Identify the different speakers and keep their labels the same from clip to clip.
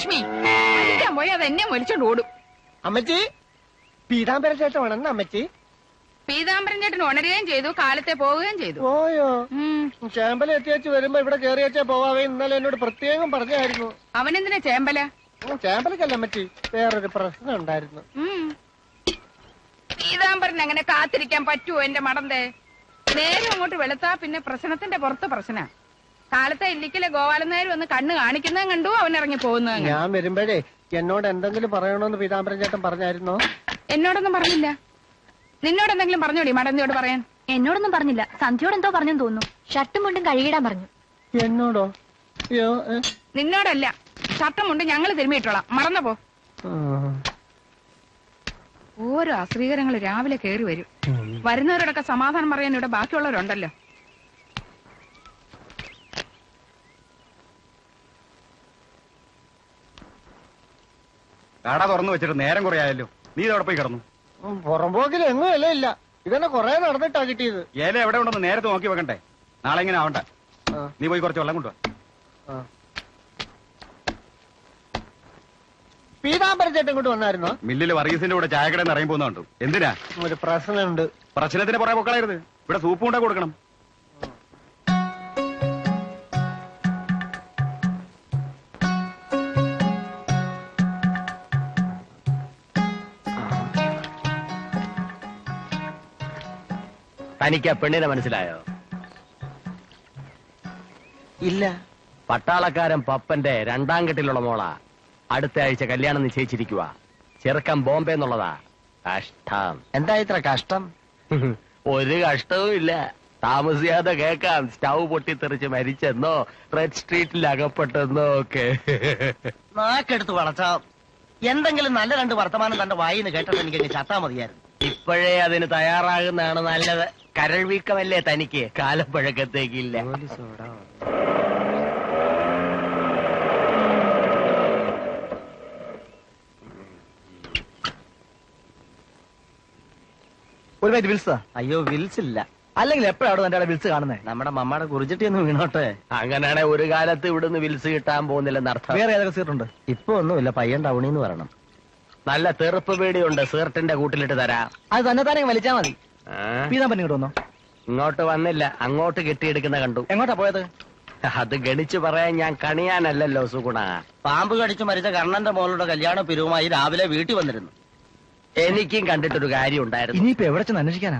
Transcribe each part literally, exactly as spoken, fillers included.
Speaker 1: ലക്ഷ്മി അടിക്കാൻ പോയി അത് എന്നെ വലിച്ചോണ്ട് ഓടും.
Speaker 2: അമ്മച്ചി പീതാംബര ചേട്ടനാണെന്ന് അമ്മച്ചി.
Speaker 1: പീതാംബരൻ ചേട്ടൻ ഉണരുകയും ചെയ്തു, കാലത്തെ പോവുകയും ചെയ്തു.
Speaker 2: ഓയോ ചേമ്പല എത്തിയച്ച് വരുമ്പോ ഇവിടെ കയറി വെച്ചാ പോവാവേ ഇന്നലെ എന്നോട് പ്രത്യേകം പറഞ്ഞായിരുന്നു.
Speaker 1: അവനെന്തിനാ ചേമ്പല?
Speaker 2: ചേമ്പലക്കല്ല അമ്മച്ചി, വേറൊരു പ്രശ്നം ഉണ്ടായിരുന്നു.
Speaker 1: പീതാംബരൻ അങ്ങനെ കാത്തിരിക്കാൻ പറ്റുമോ എന്റെ മടന്തേ? നേരെ അങ്ങോട്ട് വെളുത്താ പിന്നെ പ്രശ്നത്തിന്റെ പുറത്ത് പ്രശ്ന. കാലത്തെ ഇല്ലിക്കലെ ഗോപാലൻ വന്ന് കണ്ണ് കാണിക്കുന്നതും കണ്ടു അവൻ ഇറങ്ങി പോകുന്നത്.
Speaker 2: ഞാൻ വരുമ്പോഴേ എന്നോട് എന്തെങ്കിലും പറയണോന്ന് പീതാംബരൻ ചേട്ടൻ പറഞ്ഞായിരുന്നോ?
Speaker 1: എന്നോടൊന്നും പറഞ്ഞില്ല. നിന്നോട് എന്തെങ്കിലും പറഞ്ഞോടി മടന്തിയോട് പറയാൻ?
Speaker 3: എന്നോടൊന്നും പറഞ്ഞില്ല. സന്ധ്യയോട് എന്തോ പറഞ്ഞെന്ന് തോന്നുന്നു. ഷർട്ടും മുണ്ടും കഴുകിടാൻ പറഞ്ഞു.
Speaker 2: എന്നോടോ?
Speaker 1: നിന്നോടല്ല, ഷർട്ടും മുണ്ടും ഞങ്ങള് തിരുമ്മിയിട്ടോളാം, മറന്നപ്പോ. ഓരോ അശ്രീകരങ്ങൾ രാവിലെ കയറി വരും. വരുന്നവരോടൊക്കെ സമാധാനം പറയാൻ ഇവിടെ ബാക്കിയുള്ളവരുണ്ടല്ലോ.
Speaker 4: കട തുറന്നു വെച്ചിട്ട് നേരം കുറെ ആയല്ലോ, നീ ഇതോടെ പോയി കിടന്നു.
Speaker 2: പുറമ്പോക്കിൽ എങ്ങും ഇല ഇല്ല, ഇതന്നെ കൊറേ നടന്നിട്ടാ കിട്ടിയത്.
Speaker 4: ഏല എവിടെ ഉണ്ടെന്ന് നേരത്തെ നോക്കി വെക്കണ്ടേ? നാളെ ഇങ്ങനെ ആവണ്ട. നീ പോയി കുറച്ച് വെള്ളം കൊണ്ടുവാ.
Speaker 2: പീതാംബരൻ ചേട്ടൻ ഇങ്ങോട്ട് വന്നായിരുന്നോ?
Speaker 4: മില്ലിൽ വർഗീസിന്റെ കൂടെ ചായക്കടയിൽ നിന്ന് ഇറങ്ങി പോകുന്നുണ്ട്. എന്തിനാ?
Speaker 2: ഒരു പ്രശ്നമുണ്ട്.
Speaker 4: പ്രശ്നത്തിന് പുറകെ പൊക്കളയരുത്. ഇവിടെ സൂപ്പ് കൊണ്ടേ കൊടുക്കണം.
Speaker 5: തനിക്ക് ആ പെണ്ണിനെ മനസ്സിലായോ?
Speaker 2: ഇല്ല.
Speaker 5: പട്ടാളക്കാരൻ പപ്പന്റെ രണ്ടാം കെട്ടിലുള്ള മോളാ. അടുത്ത ആഴ്ച കല്യാണം നിശ്ചയിച്ചിരിക്കുക. ചെറുക്കം ബോംബെ എന്നുള്ളതാ. കഷ്ടം.
Speaker 2: എന്താ ഇത്ര കഷ്ടം?
Speaker 5: ഒരു കഷ്ടവും ഇല്ല. താമസിയാതെ കേക്കാം. സ്റ്റൗ പൊട്ടിത്തെറിച്ച് മരിച്ചെന്നോ റെഡ് സ്ട്രീറ്റിൽ അകപ്പെട്ടെന്നോ ഒക്കെ.
Speaker 2: നാക്കെടുത്ത് വളച്ച എന്തെങ്കിലും നല്ല രണ്ട് വർത്തമാനം തന്റെ വായിന്ന് കേട്ടത് എനിക്ക് ചത്താ മതിയായിരുന്നു.
Speaker 5: ഇപ്പോഴേ അതിന് തയ്യാറാകുന്നതാണ് നല്ലത്. കരൾ വീക്കമല്ലേ തനിക്ക്, കാലപ്പഴക്കത്തേക്കില്ല.
Speaker 2: ഒരു മിനിറ്റ് വിൽസാ? അയ്യോ വിൽസ് ഇല്ല. അല്ലെങ്കിൽ എപ്പോഴാണ് എന്റെ വിൽസ് കാണുന്നത്? നമ്മുടെ മമ്മയുടെ കുറിച്ചിട്ടി ഒന്ന് വീണോട്ടെ.
Speaker 5: അങ്ങനെയാണെ ഒരു കാലത്ത് ഇവിടുന്ന് വിൽസ് കിട്ടാൻ പോകുന്നില്ലെന്നർത്ഥം.
Speaker 2: വേറെ ഏതൊക്കെ സീറ്റുണ്ട്? ഇപ്പൊ ഒന്നുമില്ല, പയ്യൻ ടൗണിന്ന് വരണം.
Speaker 5: നല്ല തെറുപ്പ് പേടിയുണ്ട്, സീർട്ടിന്റെ കൂട്ടിലിട്ട് തരാം.
Speaker 2: അത് തന്നെ തന്നെ വലിച്ചാ മതി. പീതാംബരൻ ഇങ്ങോട്ട് വന്നോ?
Speaker 5: ഇങ്ങോട്ട് വന്നില്ല, അങ്ങോട്ട് കെട്ടിയെടുക്കുന്ന കണ്ടു.
Speaker 2: എങ്ങോട്ടാ പോയത്?
Speaker 5: അത് ഗണിച്ചു പറയാൻ ഞാൻ കണിയാനല്ലല്ലോ സുഗുണ.
Speaker 2: പാമ്പ് കടിച്ചു മരിച്ച കർണന്റെ മോളുടെ കല്യാണ പിരിവുമായി രാവിലെ വീട്ടിൽ വന്നിരുന്നു.
Speaker 5: എനിക്കും കണ്ടിട്ടൊരു കാര്യം ഉണ്ടായിരുന്നു.
Speaker 2: ഇനിയിപ്പോ എവിടെ ചെന്ന് അന്വേഷിക്കാനാ?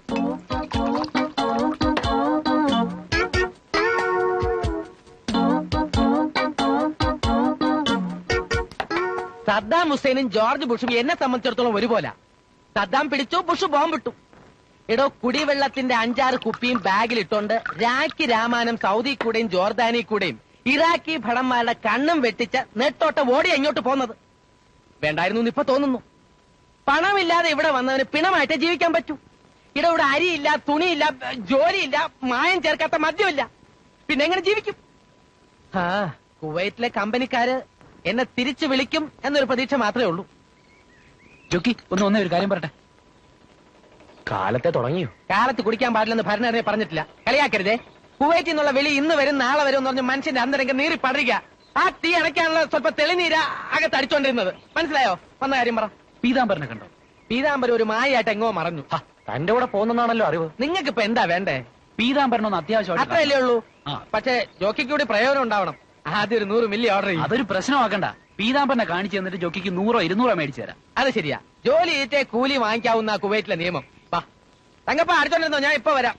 Speaker 6: സദ്ദാം ഹുസൈനും ജോർജ് ബുഷും എന്നെ സംബന്ധിച്ചിടത്തോളം ഒരുപോലെ. സദ്ദാം പിടിച്ചു, ബുഷ് ബോംബിട്ടു. എടോ, കുടിവെള്ളത്തിന്റെ അഞ്ചാറ് കുപ്പിയും ബാഗിലിട്ടോണ്ട് രാഖി രാമാനം സൗദി കൂടെയും ജോർദാനി കൂടെയും ഇറാഖി ഭടന്മാരുടെ കണ്ണും വെട്ടിച്ച നെട്ടോട്ട ഓടി എങ്ങോട്ട് പോന്നത് വേണ്ടായിരുന്നു ഇപ്പൊ തോന്നുന്നു. പണമില്ലാതെ ഇവിടെ വന്നവന് പിണമായിട്ടേ ജീവിക്കാൻ പറ്റൂ. ഇവിടെ ഇവിടെ അരിയില്ല, തുണിയില്ല, ജോലിയില്ല, മായം ചേർക്കാത്ത മദ്യമില്ല. പിന്നെ എങ്ങനെ ജീവിക്കും? ആ കുവൈറ്റിലെ കമ്പനിക്കാര് എന്നെ തിരിച്ചു വിളിക്കും എന്നൊരു പ്രതീക്ഷ മാത്രമേ ഉള്ളൂ.
Speaker 7: ജോക്കി ഒന്ന് ഒന്നേ ഒരു കാര്യം പറട്ടെ.
Speaker 5: കാലത്തെ തുടങ്ങിയോ?
Speaker 6: കാലത്ത് കുടിക്കാൻ പാടില്ലെന്ന് ഭരണഘടന പറഞ്ഞിട്ടില്ല. കളിയാക്കരുതേ. കുവൈറ്റിൽ നിന്നുള്ള വിളി ഇന്ന് വരും നാളെ വരും എന്ന് പറഞ്ഞ് മനുഷ്യന്റെ അന്തരംഗം നീറി പടരുക. ആ തീ അണയ്ക്കാനുള്ള സ്വല്പ തെളിനീര അകത്ത് അടിച്ചോണ്ടിരുന്നത്. മനസ്സിലായോ? വന്ന കാര്യം പറ.
Speaker 7: പീതാംബരനെ കണ്ടോ?
Speaker 6: പീതാംബരം ഒരു മായായിട്ട് എങ്ങോ മറഞ്ഞു.
Speaker 5: തന്റെ കൂടെ പോകുന്നതാണല്ലോ അറിവ്.
Speaker 6: നിങ്ങൾക്ക് ഇപ്പൊ എന്താ വേണ്ടേ?
Speaker 7: പീതാംബരനൊന്ന് അത്യാവശ്യം
Speaker 6: അത്രയല്ലേ ഉള്ളൂ. പക്ഷെ ജോക്കിക്ക് കൂടി പ്രയോജനം ഉണ്ടാവണം. ആദ്യം ഒരു നൂറ് മില്ലി ഓർഡർ ചെയ്യും.
Speaker 7: അതൊരു പ്രശ്നമാക്കണ്ട. പീതാംബരനെ കാണിച്ചു തന്നിട്ട് ജോക്കിക്ക് നൂറോ ഇരുന്നൂറോ മേടിച്ചു തരാം.
Speaker 6: അത് ശരിയാ. ജോലി ചെയ്തിട്ടേ കൂലി വാങ്ങിക്കാവുന്ന കുവൈറ്റിലെ നിയമം. വാ തങ്കപ്പ അടിച്ചോണ്ടിരുന്നോ, ഞാൻ ഇപ്പൊ വരാം.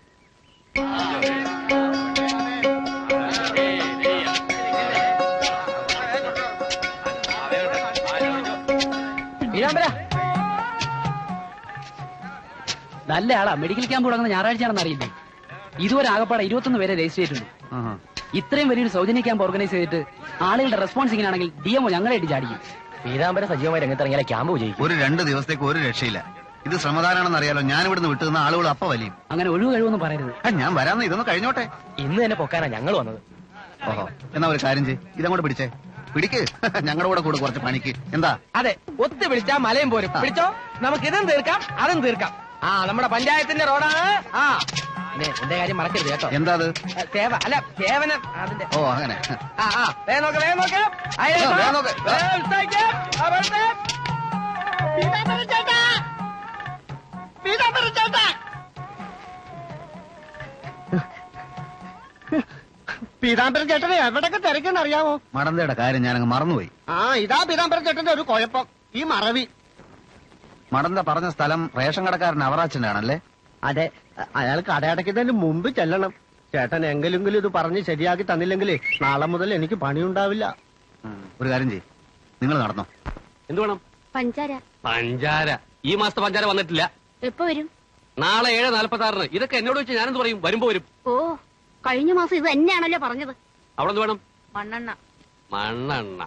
Speaker 7: നല്ല ആളാ. മെഡിക്കൽ ക്യാമ്പ് തുടങ്ങുന്ന ഞായറാഴ്ചയാണെന്ന് അറിയില്ലേ? ഇതുവരെ ആകപ്പാടെ ഇരുപത്തൊന്ന് പേരെ രജിസ്റ്റർ ചെയ്തിട്ടുണ്ട്. ഇത്രയും വലിയൊരു സൗജന്യ ക്യാമ്പ് ഓർഗനൈസ് ചെയ്തിട്ട് ആളുകളുടെ റെസ്പോൺസ് ഇങ്ങനെയാണെങ്കിൽ ഡി എംഒ ഞങ്ങളായിട്ട് ചാടിക്കും.
Speaker 5: പീതാംബരൻ സജീവമായി രംഗത്തിറങ്ങിയാലേ ക്യാമ്പ് വിജയിക്കും.
Speaker 4: ഒരു രണ്ട് ദിവസത്തേക്ക് ഒരു രക്ഷയില്ല. ഇത് ശ്രമദാനാണെന്ന് അറിയാലോ. ഞാൻ ഇവിടുന്ന് വിട്ടുന്ന ആളുകൾ അപ്പ വലിയും.
Speaker 7: അങ്ങനെ ഒഴിവ് കഴിവൊന്നും പറയരുത്.
Speaker 4: ഞാൻ വരാന്ന് ഇതൊന്ന് കഴിഞ്ഞോട്ടെ.
Speaker 5: ഇന്ന് തന്നെ പൊക്കാനാ ഞങ്ങൾ വന്നത്.
Speaker 4: ഓഹോ, എന്നാ ഒരു കാര്യം ചെയ്യ്, ഇതങ്ങോട്ട് പിടിച്ചേ. പിടിക്ക്, ഞങ്ങളുടെ കൂടെ കൂടെ കുറച്ച് പണിക്ക്. എന്താ?
Speaker 6: അതെ, ഒത്തു വിളിച്ചാ മലയും പോരും. പിടിച്ചോ, നമുക്ക് ഇതും തീർക്കാം അതും തീർക്കാം. ആ നമ്മുടെ പഞ്ചായത്തിന്റെ റോഡാണ്. ആ പിന്നെ എന്റെ കാര്യം മറക്കരുത് കേട്ടോ.
Speaker 4: എന്താ അത്?
Speaker 6: ആ, സേവ അല്ല സേവനം അതിന്റെ.
Speaker 4: ഓ അങ്ങനെ.
Speaker 6: ആ ആ വേഗം നോക്ക് വേഗം നോക്ക്. അയ്യോ,
Speaker 4: ആ, വേഗം നോക്ക്. ആ.
Speaker 6: വേഗം എടുത്തേക്ക്. ആ, വെറുതെ.
Speaker 2: പീതാംബരൻ ചേട്ടനെ എവിടൊക്കെ തിരക്കെന്ന് അറിയാമോ?
Speaker 4: മടന്തയുടെ കാര്യം ഞാനങ്ങ് മറന്നുപോയി.
Speaker 2: ആ ഇതാ പീതാംബരൻ ചേട്ടന്റെ ഒരു കുഴപ്പം, ഈ മറവി.
Speaker 4: മടന്ത പറഞ്ഞ സ്ഥലം റേഷൻ കടക്കാരൻ അവറാച്ചന്റെ ആണല്ലേ?
Speaker 2: അതെ, അയാൾ കടയടയ്ക്കുന്നതിന് മുമ്പ് ചെല്ലണം. ചേട്ടൻ എങ്കിലെങ്കിലും ഇത് പറഞ്ഞ് ശരിയാക്കി തന്നില്ലെങ്കിൽ നാളെ മുതൽ എനിക്ക് പണിയുണ്ടാവില്ല.
Speaker 4: ഉം, ഒരു കാര്യം ചെയ്യ്, നിങ്ങൾ നടന്നോ.
Speaker 5: എന്ത് വേണം?
Speaker 3: പഞ്ചാര
Speaker 5: പഞ്ചാര. ഈ മാസത്തെ പഞ്ചാര വന്നിട്ടില്ല.
Speaker 3: എപ്പോ വരും?
Speaker 5: നാളെ ഏഴ് നാൽപ്പത്തി ആറിന്. ഇതൊക്കെ എന്നോട് വെച്ച് ഞാനെന്ത് പറയും? വരുമ്പോ വരും.
Speaker 3: ഓ, കഴിഞ്ഞ മാസം ഇത് തന്നെയാണല്ലോ പറഞ്ഞത്.
Speaker 5: അവിടെ എന്ത് വേണം?
Speaker 3: മണ്ണെണ്ണ.
Speaker 5: മണ്ണെണ്ണ.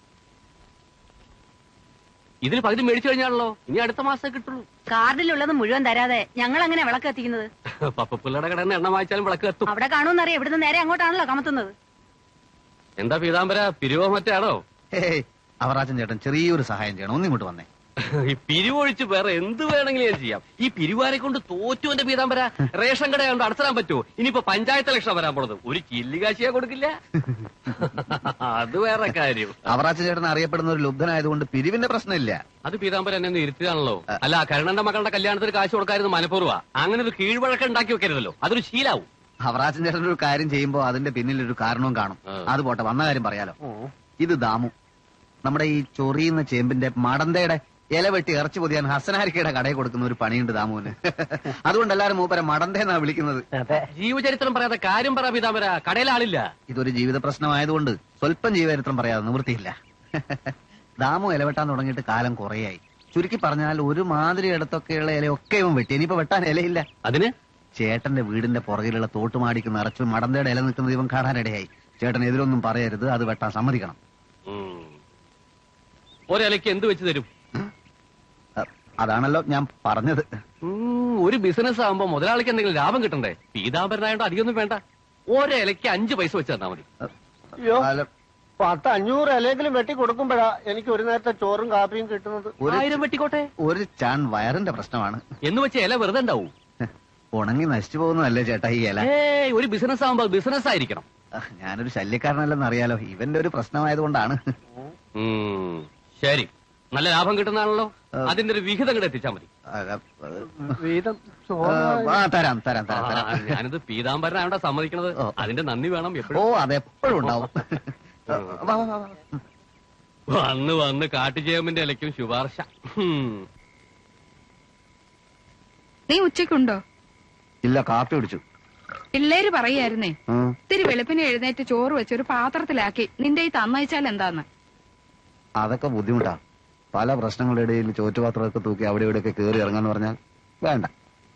Speaker 5: ഇതിൽ പകുതി മേടിച്ചു കഴിഞ്ഞാണല്ലോ, ഇനി അടുത്ത മാസം കിട്ടുള്ളൂ.
Speaker 3: കാർഡിലുള്ളത് മുഴുവൻ തരാതെ ഞങ്ങൾ അങ്ങനെ വിളക്ക് എത്തിക്കുന്നത്.
Speaker 5: പപ്പപ്പിള്ളയുടെ കടയിൽ നിന്ന് എണ്ണ വാങ്ങിച്ചാലും വിളക്ക് എത്തും.
Speaker 3: അവിടെ കാണുമെന്നറിയാം, ഇവിടുന്ന് നേരെ അങ്ങോട്ടാണല്ലോ കമത്തുന്നത്.
Speaker 5: എന്താ പീതാംബര, പിരിവോ മറ്റാണോ?
Speaker 4: ഹേയ്, അവറാച്ചൻ ചേട്ടൻ ചെറിയൊരു സഹായം ചെയ്യണം, ഒന്നിങ്ങോട്ട് വന്നേ.
Speaker 5: ഈ പിരിവൊഴിച്ച് വേറെ എന്ത് വേണമെങ്കിലും ഞാൻ ചെയ്യാം. ഈ പിരിവാരെ കൊണ്ട് തോറ്റു എന്റെ പീതാംബര. റേഷൻ കട കൊണ്ട് അടച്ചിടാൻ പറ്റുമോ? ഇനിയിപ്പോ പഞ്ചായത്ത് ഇലക്ഷൻ വരാൻ പോണത്, ഒരു ചില്ലികാശിയാ കൊടുക്കില്ല. അത് വേറെ കാര്യം.
Speaker 4: അവറാച്ചൻ ചേട്ടൻ അറിയപ്പെടുന്ന ഒരു ലുബ്ധനായതുകൊണ്ട് പിരിവിന്റെ പ്രശ്നമില്ല.
Speaker 5: അത് പീതാംബര എന്നെ ഒന്ന് ഇരുത്തിയതാണല്ലോ. അല്ല, കരുണന്റെ മകളുടെ കല്യാണത്തിന് കാശ് കൊടുക്കായിരുന്നു മനഃപൂർവ്വ. അങ്ങനെ ഒരു കീഴ്വഴക്കം ഉണ്ടാക്കി വെക്കരുതല്ലോ, അതൊരു ശീലാവും.
Speaker 4: അവറാച്ചൻ ചേട്ടൻ ഒരു കാര്യം ചെയ്യുമ്പോ അതിന്റെ പിന്നിൽ ഒരു കാരണവും കാണും. അത് പോട്ടെ, വന്ന കാര്യം പറയാലോ. ഇത് ദാമു, നമ്മുടെ ഈ ചൊറിയുന്ന ചേമ്പിന്റെ മടന്തയുടെ ഇല വെട്ടി ഇറച്ചി പൊതിയാൻ ഹസനാരിക്കയുടെ കടയിൽ കൊടുക്കുന്ന ഒരു പണിയുണ്ട് ദാമുവിന്. അതുകൊണ്ട് എല്ലാരും മൂപ്പരെ മടന്തേന്നാ വിളിക്കുന്നത്.
Speaker 5: ജീവചരിത്രം പറയാതെ കാര്യം പറ പീതാംബര, കടയിൽ ആളില്ല.
Speaker 4: ഇതൊരു ജീവിത പ്രശ്നമായതുകൊണ്ട് സ്വല്പം ജീവചരിത്രം പറയാതെ നിവൃത്തിയില്ല. ദാമു ഇലവെട്ടാൻ തുടങ്ങിയിട്ട് കാലം കുറേയായി. ചുരുക്കി പറഞ്ഞാൽ ഒരു മാതിരി ഇടത്തൊക്കെയുള്ള ഇലയൊക്കെ ഇവൻ വെട്ടി. ഇനിയിപ്പോ വെട്ടാൻ ഇലയില്ല.
Speaker 5: അതിന്
Speaker 4: ചേട്ടന്റെ വീടിന്റെ പുറകിലുള്ള തോട്ടുമാടിക്ക് നിറച്ചു മടന്തയുടെ ഇല നിൽക്കുന്നത് ഇവൻ കാണാനിടയായി. ചേട്ടൻ എതിരൊന്നും പറയരുത്, അത് വെട്ടാൻ സമ്മതിക്കണം.
Speaker 5: ഒരിലയ്ക്ക് എന്ത് വെച്ച് തരും?
Speaker 4: അതാണല്ലോ ഞാൻ പറഞ്ഞത്.
Speaker 5: ഒരു ബിസിനസ് ആകുമ്പോ മുതലാളിക്ക് എന്തെങ്കിലും ലാഭം കിട്ടണ്ടേ? പീതാംബരനായോണ്ട് അധികമൊന്നും വേണ്ട, ഒരിലയ്ക്ക് അഞ്ച് പൈസ വെച്ച് തന്നാ മതി.
Speaker 2: അയ്യോ, പത്ത് അഞ്ഞൂറ് ഇലയെങ്കിലും വെട്ടി കൊടുക്കുമ്പോഴാ എനിക്ക് ഒരു നേരത്തെ ചോറും കാപ്പിയും കിട്ടുന്നത്.
Speaker 5: ആയിരം വെട്ടിക്കോട്ടെ.
Speaker 4: ഒരു ചാൺ വയറിന്റെ പ്രശ്നമാണ്.
Speaker 5: എന്ന് വെച്ച് ഇല വെറുതെ ഉണ്ടാവും.
Speaker 4: ഉണങ്ങി നശിച്ചു പോകുന്നതല്ലേ ചേട്ടാ ഈ ഇല?
Speaker 5: ഏയ്, ഒരു ബിസിനസ് ആകുമ്പോ ബിസിനസ് ആയിരിക്കണം.
Speaker 4: ഞാനൊരു ശല്യക്കാരനല്ലെന്ന് അറിയാലോ, ഇവന്റെ ഒരു പ്രശ്നമായതുകൊണ്ടാണ്.
Speaker 5: ശരി, നല്ല ലാഭം കിട്ടുന്നതാണല്ലോ, അതിന്റെ ഒരു വിഹിതം കൂടെ എത്തിച്ചാ മതി.
Speaker 2: വീതം
Speaker 4: ആ, തരാം തരാം തരാം തരാം.
Speaker 5: ഞാനിത് പീതാംബരനായോണ്ടാ സമ്മതിക്കണത്. അതിന്റെ നന്ദി വേണം
Speaker 4: ഓ,
Speaker 5: എപ്പോഴും.
Speaker 4: അതെപ്പോഴും ഉണ്ടാവും. വാ, വാ, വാ.
Speaker 5: വന്ന് വന്ന് കാട്ടുചേമ്പിന്റെ ഇലയ്ക്കും ശുപാർശ.
Speaker 1: നീ ഉച്ചക്കുണ്ടോ?
Speaker 4: ഇല്ല, കാപ്പി കുടിച്ചു.
Speaker 1: പിള്ളേര് പറയായിരുന്നേ, ഇത്തിരി വെളുപ്പിന് എഴുന്നേറ്റ് ചോറ് വെച്ച് ഒരു പാത്രത്തിലാക്കി നിന്റെ ഈ തന്നയച്ചാൽ എന്താന്ന്.
Speaker 4: അതൊക്കെ ബുദ്ധിമുട്ടാ. പല പ്രശ്നങ്ങളുടെ ഇടയിൽ ചോറ്റുപാത്രമൊക്കെ തൂക്കി അവിടെ ഇവിടെയൊക്കെ കയറി ഇറങ്ങാന്ന് പറഞ്ഞാൽ വേണ്ട.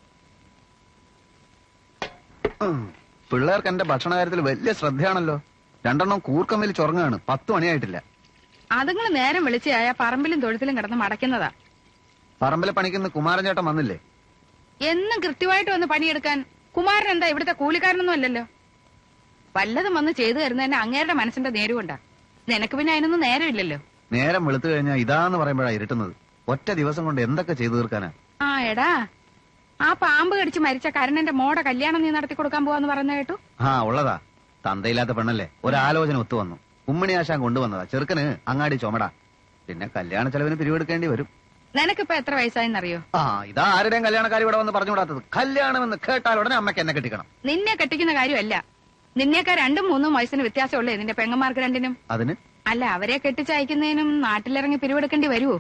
Speaker 4: പിള്ളേർക്ക് എന്റെ ഭക്ഷണ കാര്യത്തിൽ വലിയ ശ്രദ്ധയാണല്ലോ. രണ്ടെണ്ണം കൂർക്കമ്മയിൽ ചുറങ്ങാണ്. പത്ത് മണിയായിട്ടില്ല.
Speaker 1: അതുങ്ങൾ നേരം വിളിച്ചായ പറമ്പിലും തൊഴുത്തിലും കിടന്ന് മടക്കുന്നതാ.
Speaker 4: പറമ്പിലെ പണിക്കുന്ന കുമാരൻ ചേട്ടൻ വന്നില്ലേ?
Speaker 1: എന്നും കൃത്യമായിട്ട് വന്ന് പണിയെടുക്കാൻ കുമാരൻ എന്താ ഇവിടുത്തെ കൂലിക്കാരനൊന്നും അല്ലല്ലോ. വല്ലതും വന്ന് ചെയ്തു തരുന്നതന്നെ അങ്ങേരുടെ മനസ്സിന്റെ നേരുകൊണ്ടാ. നിനക്ക് പിന്നെ അതിനൊന്നും നേരമില്ലല്ലോ.
Speaker 4: നേരം വെളുത്തു കഴിഞ്ഞാൽ ഇതാന്ന് പറയുമ്പോഴാ ഇരുട്ടുന്നത്. ഒറ്റ ദിവസം കൊണ്ട് എന്തൊക്കെ ചെയ്തു തീർക്കാനാ.
Speaker 1: ആ എടാ, ആ പാമ്പ് കടിച്ച് മരിച്ച കരുണന്റെ മോടെ കല്യാണം നീ നടത്തി കൊടുക്കാൻ പോവാന്ന് പറയുന്ന കേട്ടു.
Speaker 4: ആ, ഉള്ളതാ. തന്തയില്ലാത്ത പെണ്ണല്ലേ, ഒരാലോചന ഒത്തു വന്നു. ഉമ്മണി ആശാൻ കൊണ്ടുവന്നതാ. ചെറുക്കന് അങ്ങാടി ചുമടാ. പിന്നെ കല്യാണ ചെലവിന് പിരിവെടുക്കേണ്ടി വരും.
Speaker 1: നിനക്കിപ്പോ എത്ര വയസ്സായെന്നറിയോ?
Speaker 4: ആ, ഇതാ ആരുടെയും കല്യാണക്കാരി ഇവിടെ വന്ന് പറഞ്ഞുകൂടാത്തത്. കല്യാണം എന്ന് കേട്ടാൽ ഉടനെ അമ്മയ്ക്ക് എന്നെ കെട്ടിക്കണം.
Speaker 1: നിന്നെ കെട്ടിക്കുന്ന കാര്യമല്ല, നിന്നേക്കാ രണ്ടും മൂന്നും വയസ്സിന് വ്യത്യാസമുള്ളേ നിന്റെ പെങ്ങന്മാർക്ക് രണ്ടിനും.
Speaker 4: അതിന്
Speaker 1: അല്ല, അവരെ കെട്ടിച്ചയക്കുന്നതിനും നാട്ടിലിറങ്ങി പിരിവെടുക്കേണ്ടി വരുവോ?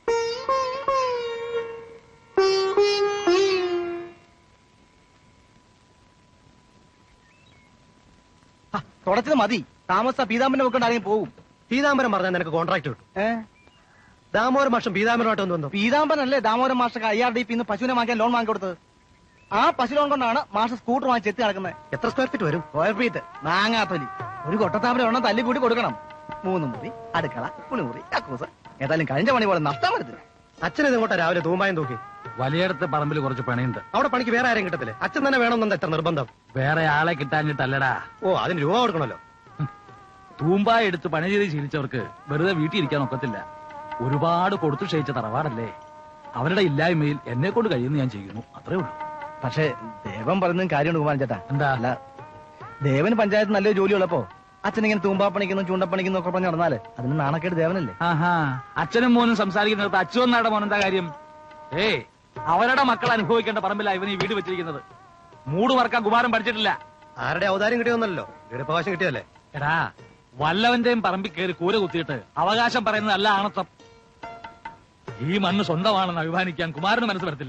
Speaker 2: തുടച്ചത് മതി. താമസ പീതാംബരനെ വെക്കൊണ്ടാണെങ്കിൽ പോകും.
Speaker 6: പീതാംബരം പറഞ്ഞാൽ നിനക്ക് കോൺട്രാക്ട് കിട്ടും.
Speaker 2: ഏഹ്
Speaker 6: ദാമോദര മാഷം പീതാംബരമായിട്ട് ഒന്ന് വന്നു.
Speaker 2: പീതാംബരനല്ലേ ദാമോദരൻ മാസ്റ്റർക്ക് ഐ ആർ ഡി പി പശുവിനെ വാങ്ങിക്കാൻ ലോൺ വാങ്ങി കൊടുത്തത്. ആ പശു ലോൺ കൊണ്ടാണ് മാസ്റ്റർ സ്കൂട്ടർ വാങ്ങിച്ച് എത്തി നടക്കുന്നത്.
Speaker 6: എത്ര സ്ക്വയർ ഫീറ്റ് വരും?
Speaker 2: സ്ക്വയർ ഫീറ്റ് മാങ്ങാത്തൊലി. ഒരു കൊട്ടത്താമര എണ്ണം തല്ലി കൂടി കൊടുക്കണം. മൂന്ന് മുറി, അടുക്കള, കുളിമുറി, കക്കൂസ്. ഏതായാലും കഴിഞ്ഞ പണി പോലെ നഷ്ടം വരുത്തില്ല.
Speaker 6: അച്ഛനെ ഇങ്ങോട്ടാ രാവിലെ തൂമ്പായം തൂക്കി.
Speaker 8: വലിയടത്ത് പറമ്പിൽ കുറച്ച് പണിയുണ്ട്.
Speaker 6: അവിടെ പണിക്ക് വേറെ ആരും കിട്ടത്തില്ലേ? അച്ഛൻ തന്നെ വേണമെന്നുണ്ട് എത്ര നിർബന്ധം?
Speaker 8: വേറെ ആളെ കിട്ടാഞ്ഞിട്ടല്ലടാ.
Speaker 6: ഓ, അതിന് രൂപ കൊടുക്കണല്ലോ.
Speaker 8: തൂമ്പായ എടുത്ത് പണി ചെയ്ത് ശീലിച്ചവർക്ക് വെറുതെ വീട്ടിൽ ഇരിക്കാൻ ഒക്കത്തില്ല. ഒരുപാട് കൊടുത്തു ക്ഷയിച്ച തറവാടല്ലേ. അവരുടെ ഇല്ലായ്മയിൽ എന്നെ കൊണ്ട് കഴിയുന്ന ഞാൻ ചെയ്യുന്നു, അത്രേ ഉള്ളൂ.
Speaker 2: പക്ഷേ ദേവൻ പറയുന്നതും കാര്യമുണ്ട് കുമാരൻ ചേട്ടാ.
Speaker 8: എന്താ?
Speaker 2: അല്ല, ദേവന് പഞ്ചായത്ത് നല്ലൊരു ജോലി ഉള്ളപ്പോ അച്ഛൻ ഇങ്ങനെ തൂമ്പാപ്പണിക്കുന്നു ചൂണ്ടപ്പണിക്കുന്നു ഒക്കെ പറഞ്ഞ് നടന്നാല് അതിന് നാണക്കേട് ദേവനല്ലേ?
Speaker 8: ആഹാ അച്ഛനും മോനും സംസാരിക്കുന്നിടത്ത് അച്ഛനും നാടെ മോൻ എന്താ കാര്യം? ഏയ് അവരുടെ മക്കൾ അനുഭവിക്കേണ്ട പറമ്പില്ല ഇവൻ ഈ വീട് വെച്ചിരിക്കുന്നത്. മൂട് മറക്കാൻ കുമാരൻ പഠിച്ചിട്ടില്ല.
Speaker 2: ആരുടെ അവതാരം കിട്ടിയൊന്നല്ലോ, വീടവകാശം കിട്ടിയല്ലേ?
Speaker 8: എടാ വല്ലവന്റെയും പറമ്പിൽ കയറി കൂര കുത്തിയിട്ട് അവകാശം പറയുന്നത് അല്ല ആണത്വം. ഈ മണ്ണ് സ്വന്തമാണെന്ന് അഭിമാനിക്കാൻ കുമാരന് മനസ്സ് വരത്തില്ല.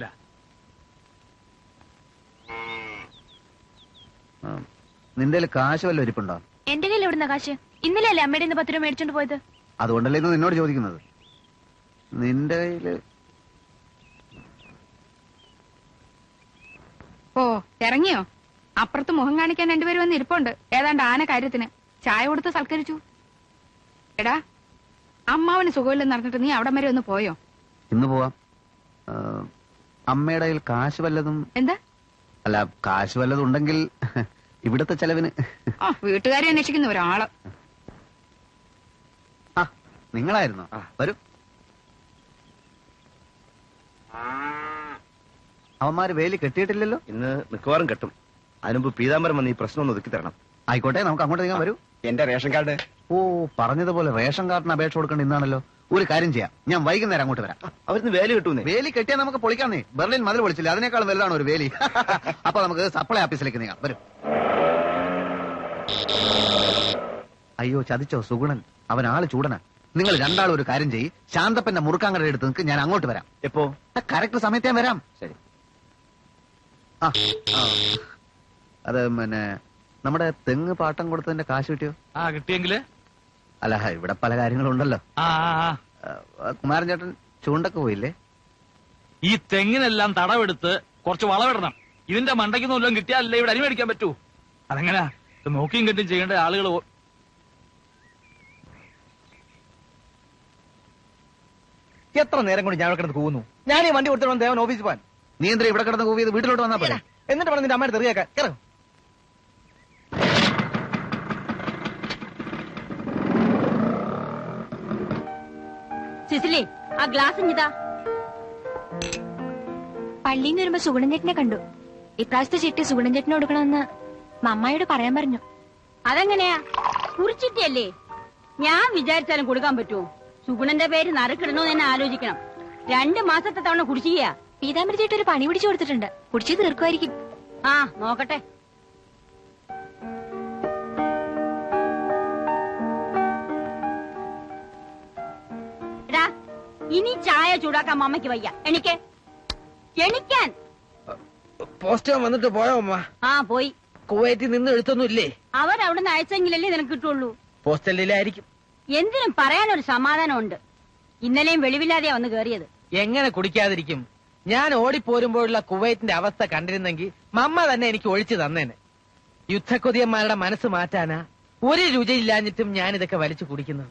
Speaker 4: നിന്റെ കാശ് വല്ല ഇരിപ്പുണ്ടോ?
Speaker 3: എന്റെ കയ്യിൽ എവിടുന്ന കാശ്? ഇന്നലെ അല്ലേ അമ്മയുടെ പത്ത് രൂപ മേടിച്ചോണ്ട് പോയത്?
Speaker 4: അതുകൊണ്ടല്ലേ ഇത് നിന്നോട് ചോദിക്കുന്നത്. നിന്റെ കയ്യില്
Speaker 1: ഓ ഇറങ്ങിയോ? അപ്പുറത്ത് മുഖം കാണിക്കാൻ രണ്ടുപേരും വന്ന് ഇരിപ്പുണ്ട്. ഏതാണ്ട് ആന കാര്യത്തിന് ചായ കൊടുത്ത് സൽക്കരിച്ചു. എടാ, അമ്മാവന് സുഖമില്ലെന്ന് പറഞ്ഞിട്ട് നീ അവിടം വരെ ഒന്ന് പോയോ?
Speaker 4: ഇന്ന് പോവാം. ആ, അമ്മയുടെ കയ്യിൽ കാശ് വല്ലതും?
Speaker 1: എന്താ?
Speaker 4: അല്ല, കാശ് വല്ലതും ഉണ്ടെങ്കിൽ ഇവിടത്തെ ചെലവിന്.
Speaker 1: ആ വീട്ടുകാരെ അന്വേഷിക്കുന്ന ഒരാള്.
Speaker 4: ആ നിങ്ങളായിരുന്നോ? വരൂ. അവന്മാര് വേലി കെട്ടിയിട്ടില്ലല്ലോ?
Speaker 2: ഇന്ന് മിക്കവാറും കെട്ടും. അതിനുമ്പ് പീതാംബരം വന്ന് ഈ പ്രശ്നം ഒന്ന് ഒതുക്കി തരണം.
Speaker 4: ആയിക്കോട്ടെ, നമുക്ക് അങ്ങോട്ട് നീങ്ങാൻ. വരൂ.
Speaker 2: എന്റെ റേഷൻ കാർഡ്.
Speaker 4: ഓ, പറഞ്ഞതുപോലെ റേഷൻ കാർഡിന് അപേക്ഷ കൊടുക്കേണ്ട ഇന്നാണല്ലോ. ഒരു കാര്യം ചെയ്യാം, ഞാൻ വൈകുന്നേരം അങ്ങോട്ട് വരാം.
Speaker 2: അവരിന്ന് വേലി കിട്ടൂന്നേ.
Speaker 4: വേലി കെട്ടിയാൽ നമുക്ക് പൊളിക്കാന്നേ. ബെർലിൻ മതിൽ പൊളിച്ചില്ല, അതിനേക്കാളും വലുതാണ് ഒരു വേലി. അപ്പൊ നമുക്ക് സപ്ലൈ ഓഫീസിലേക്ക് നീങ്ങാം. വരും. അയ്യോ, ചതിച്ചോ സുഗുണൻ? അവൻ ആള് ചൂടനാ. നിങ്ങൾ രണ്ടാളും ഒരു കാര്യം ചെയ്യ്, ശാന്തപ്പന്റെ മുറുക്കാങ്കട എടുത്ത് നിൽക്ക്, ഞാൻ അങ്ങോട്ട് വരാം.
Speaker 2: എപ്പോ?
Speaker 4: കറക്റ്റ് സമയത്ത് ഞാൻ വരാം.
Speaker 2: ശരി.
Speaker 4: ആ ആ. അത് പിന്നെ നമ്മുടെ തെങ്ങ് പാട്ടം കൊടുത്തതിന്റെ കാശ് കിട്ടിയോ?
Speaker 8: ആ കിട്ടിയെങ്കില്.
Speaker 4: അല്ല, ഇവിടെ പല കാര്യങ്ങളുണ്ടല്ലോ.
Speaker 8: ആ ആ, ആ.
Speaker 4: ആ, കുമാരൻ ചേട്ടൻ ചൂണ്ടൊക്കെ പോയില്ലേ?
Speaker 8: ഈ തെങ്ങിനെല്ലാം തടവെടുത്ത് കുറച്ച് വളമിടണം. ഇതിന്റെ മണ്ടയ്ക്ക് വല്ലതും കിട്ടിയാലല്ലേ ഇവിടെ അരി മേടിക്കാൻ പറ്റൂ. അതെങ്ങനാ? ഇത് നോക്കിയും കെട്ടും ചെയ്യേണ്ട ആളുകൾ.
Speaker 2: എത്ര നേരം കൊണ്ട് ഞാൻ ഇവിടെ കിടന്ന് കൂവുന്നു. ഞാൻ ഈ വണ്ടി കൊടുത്തിട്ട് ദേവൻ ഓഫീസിൽ പോകാൻ.
Speaker 4: നീ എന്താ ഇവിടെ കിടന്ന് കൂവിയത്? വീട്ടിലോട്ട് വന്നാ പോലെ.
Speaker 2: എന്നിട്ട് പറഞ്ഞ നിന്റെ അമ്മയുടെ തെറിയാക്കാൻ ഇറങ്ങും.
Speaker 3: സിസിലി, ആ ഗ്ലാസ് ഇഞ്ഞിതാ. പള്ളിയിൽ നിന്ന് വരുമ്പോ സുഗുണൻ ചേട്ടനെ കണ്ടു. ഇപ്രാവശ്യത്തെ ചിട്ടി സുഗുണൻ ചേട്ടന് കൊടുക്കണമെന്ന് മമ്മായോട് പറയാൻ പറഞ്ഞു.
Speaker 9: അതെങ്ങനെയാ? കുറിച്ചിട്ടല്ലേ? ഞാൻ വിചാരിച്ചാലും കൊടുക്കാൻ പറ്റുമോ? സുഗുണന്റെ പേര് നറുക്കിടണോന്ന് തന്നെ ആലോചിക്കണം. രണ്ട് മാസത്തെ തവണ കുടിശ്ശികയാ.
Speaker 3: പീതാമ്പരി ചേട്ടൻ ഒരു പണി പിടിച്ചു കൊടുത്തിട്ടുണ്ട്. കുടിച്ചു തീർക്കുമായിരിക്കും.
Speaker 9: ആ നോക്കട്ടെ. എടാ, ഇനി ചായ ചൂടാക്കാൻ അമ്മയ്ക്ക് വയ്യ. എനിക്ക് എണിക്കാൻ.
Speaker 6: പോസ്റ്റ് വന്നിട്ട് പോയോ അമ്മ?
Speaker 9: ആ പോയി.
Speaker 6: കുവൈറ്റിൽ നിന്ന് എഴുത്തൊന്നും ഇല്ലേ?
Speaker 9: അവരവിടുന്ന് അയച്ചെങ്കിലല്ലേ നിനക്ക് കിട്ടുള്ളൂ.
Speaker 6: പോസ്റ്റലിലായിരിക്കും.
Speaker 9: എന്തിനും പറയാനൊരു സമാധാനമുണ്ട്. ഇന്നലെയും വെളിവില്ലാതെയാ വന്ന് കേറിയത്.
Speaker 6: എങ്ങനെ കുടിക്കാതിരിക്കും? ഞാൻ ഓടിപ്പോരുമ്പോഴുള്ള കുവൈറ്റിന്റെ അവസ്ഥ കണ്ടിരുന്നെങ്കിൽ മമ്മ തന്നെ എനിക്ക് ഒഴിച്ചു തന്നേനെ. യുദ്ധക്കൊതിയന്മാരുടെ മനസ്സ് മാറ്റാനാ ഒരു രുചിയില്ലാഞ്ഞിട്ടും ഞാൻ ഇതൊക്കെ വലിച്ചു കുടിക്കുന്നത്.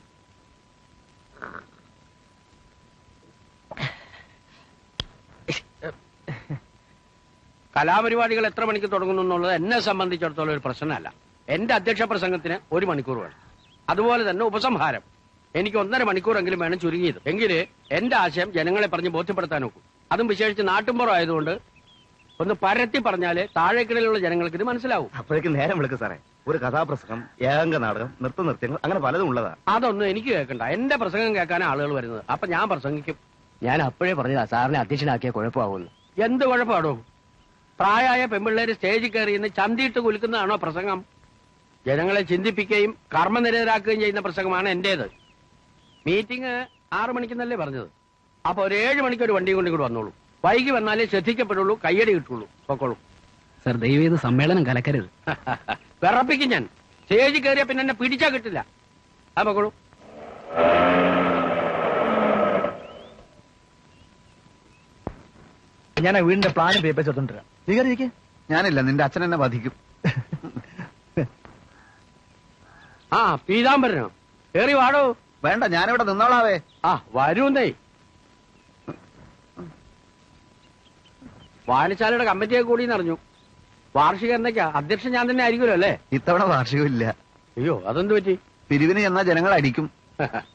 Speaker 10: കലാപരിപാടികൾ എത്ര മണിക്ക് തുടങ്ങുന്നു എന്നുള്ളത് എന്നെ സംബന്ധിച്ചിടത്തോളം ഒരു പ്രശ്നമല്ല. എന്റെ അധ്യക്ഷ പ്രസംഗത്തിന് ഒരു മണിക്കൂർ വേണം. അതുപോലെ തന്നെ ഉപസംഹാരം എനിക്ക് ഒന്നര മണിക്കൂറെങ്കിലും വേണം ചുരുങ്ങിയത്. എങ്കില് എന്റെ ആശയം ജനങ്ങളെ പറഞ്ഞ് ബോധ്യപ്പെടുത്താൻ നോക്കും. അതും വിശേഷിച്ച് നാട്ടുമ്പുറം ആയതുകൊണ്ട് ഒന്ന് പരത്തി പറഞ്ഞാല് താഴേക്കിടയിലുള്ള ജനങ്ങൾക്ക് ഇത് മനസ്സിലാവും.
Speaker 2: അപ്പോഴേക്കും നേരം വിളിക്കും സാറേ. ഒരു കഥാപ്രസംഗം, ഏകാംഗ നാടകം, നൃത്ത നൃത്യങ്ങൾ, അങ്ങനെ പലതും ഉള്ളതാ.
Speaker 10: അതൊന്നും എനിക്ക് കേൾക്കണ്ട. എന്റെ പ്രസംഗം കേൾക്കാനാണ് ആളുകൾ വരുന്നത്. അപ്പൊ ഞാൻ പ്രസംഗിക്കും.
Speaker 5: ഞാൻ അപ്പോഴേ പറഞ്ഞതാ സാറിനെ അധ്യക്ഷനാക്കിയ കുഴപ്പമാവുന്നു.
Speaker 10: എന്ത് കുഴപ്പമാണോ? പ്രായമായ പെൺപിള്ളേര് സ്റ്റേജിൽ കയറി ഇന്ന് ചന്തിയിട്ട് കുലുക്കുന്നതാണോ പ്രസംഗം? ജനങ്ങളെ ചിന്തിപ്പിക്കുകയും കർമ്മനിരതരാക്കുകയും ചെയ്യുന്ന പ്രസംഗമാണ് എന്റേത്. മീറ്റിംഗ് ആറു മണിക്കെന്നല്ലേ പറഞ്ഞത്. അപ്പൊ ഒരു ഏഴ് മണിക്ക് ഒരു വണ്ടി കൊണ്ട് ഇങ്ങോട്ട് വന്നോളൂ. വൈകി വന്നാലേ ശ്രദ്ധിക്കപ്പെടുള്ളൂ, കയ്യടി കിട്ടുള്ളൂ. പൊക്കോളൂ.
Speaker 7: സർ ദയവ് ചെയ്ത് സമ്മേളനം കലക്കരുത്.
Speaker 10: വിറപ്പിക്കും ഞാൻ. സ്റ്റേജിൽ കയറിയ പിന്നെ എന്നെ പിടിച്ചാ കിട്ടില്ല. ആ പൊക്കോളൂ.
Speaker 2: ഞാൻ ആ വീടിന്റെ പ്ലാനും പേപ്പേഴ്സ് എടുത്തോണ്ടിരാം. സ്വീകരിക്കേ.
Speaker 4: ഞാനില്ല, നിന്റെ അച്ഛൻ എന്നെ വധിക്കും.
Speaker 10: ആ പീതാംബരനോ? കേറി വാടോ.
Speaker 4: വേണ്ട, ഞാനിവിടെ നിന്നോളാവേ.
Speaker 10: ആ വരൂന്നേ. വായനശാലയുടെ കമ്മിറ്റിയെ കൂടി അറിഞ്ഞു. വാർഷിക എന്നൊക്കെയാ അധ്യക്ഷൻ ഞാൻ തന്നെ ആയിരിക്കുമല്ലോ അല്ലേ?
Speaker 4: ഇത്തവണ വാർഷികമില്ല.
Speaker 10: അയ്യോ, അതെന്ത് പറ്റി?
Speaker 4: പിരിവിന് ചെന്നാ ജനങ്ങൾ അടിക്കും.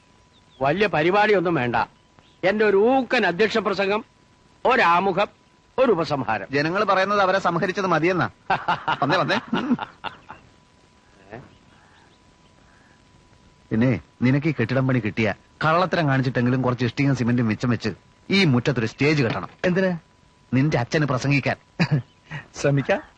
Speaker 10: വലിയ പരിപാടിയൊന്നും വേണ്ട. എന്റെ ഒരു ഊക്കൻ അധ്യക്ഷ പ്രസംഗം, ഒരാമുഖം, ഒരു ഉപസംഹാരം.
Speaker 4: ജനങ്ങൾ പറയുന്നത് അവരെ സംഹരിച്ചത് മതിയെന്നാ. വന്നേ വന്നേ. പിന്നെ നിനക്ക് ഈ കെട്ടിടം പണി കിട്ടിയ കള്ളത്തരം കാണിച്ചിട്ടെങ്കിലും കുറച്ച് ഇഷ്ടിയും സിമെന്റും മിച്ചം വെച്ച് ഈ മുറ്റത്തൊരു സ്റ്റേജ് കെട്ടണം.
Speaker 2: എന്തിന്?
Speaker 4: നിന്റെ അച്ഛന് പ്രസംഗിക്കാൻ.
Speaker 2: ശ്രമിക്കാം.